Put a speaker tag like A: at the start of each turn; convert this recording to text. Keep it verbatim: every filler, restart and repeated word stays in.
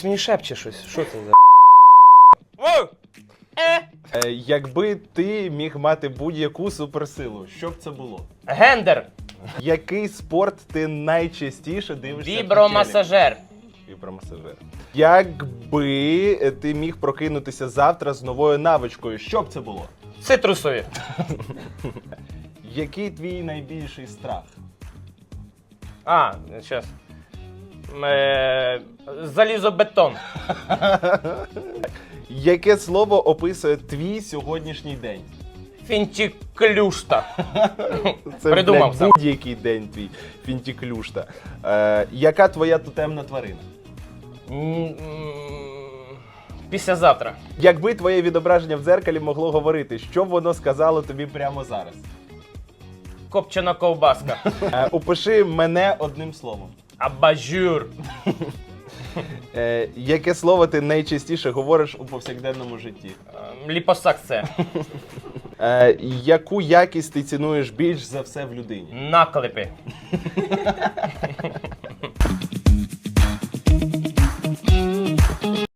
A: Мені шепче щось. Що це за...
B: Е, якби ти міг мати будь-яку суперсилу, що б це було?
A: Гендер.
B: Який спорт ти найчастіше дивишся?
A: Вібромасажер.
B: Вібромасажер. Якби ти міг прокинутися завтра з новою навичкою, що б це було?
A: Цитрусові.
B: Який твій найбільший страх?
A: А, зараз. Е, залізобетон.
B: Яке слово описує твій сьогоднішній день?
A: Фінтіклюшта.
B: Це,
A: Придумав
B: блядь,
A: сам.
B: будь-який день твій фінтіклюшта. Е, яка твоя тотемна тварина?
A: М, м, Післязавтра.
B: Якби твоє відображення в дзеркалі могло говорити, що б воно сказало тобі прямо зараз?
A: Копчена ковбаска.
B: Е, опиши мене одним словом.
A: Абажур.
B: Е, яке слово ти найчастіше говориш у повсякденному житті?
A: Ем, Ліпосакція.
B: Е, яку якість ти цінуєш більш за все в людині?
A: Наклепи.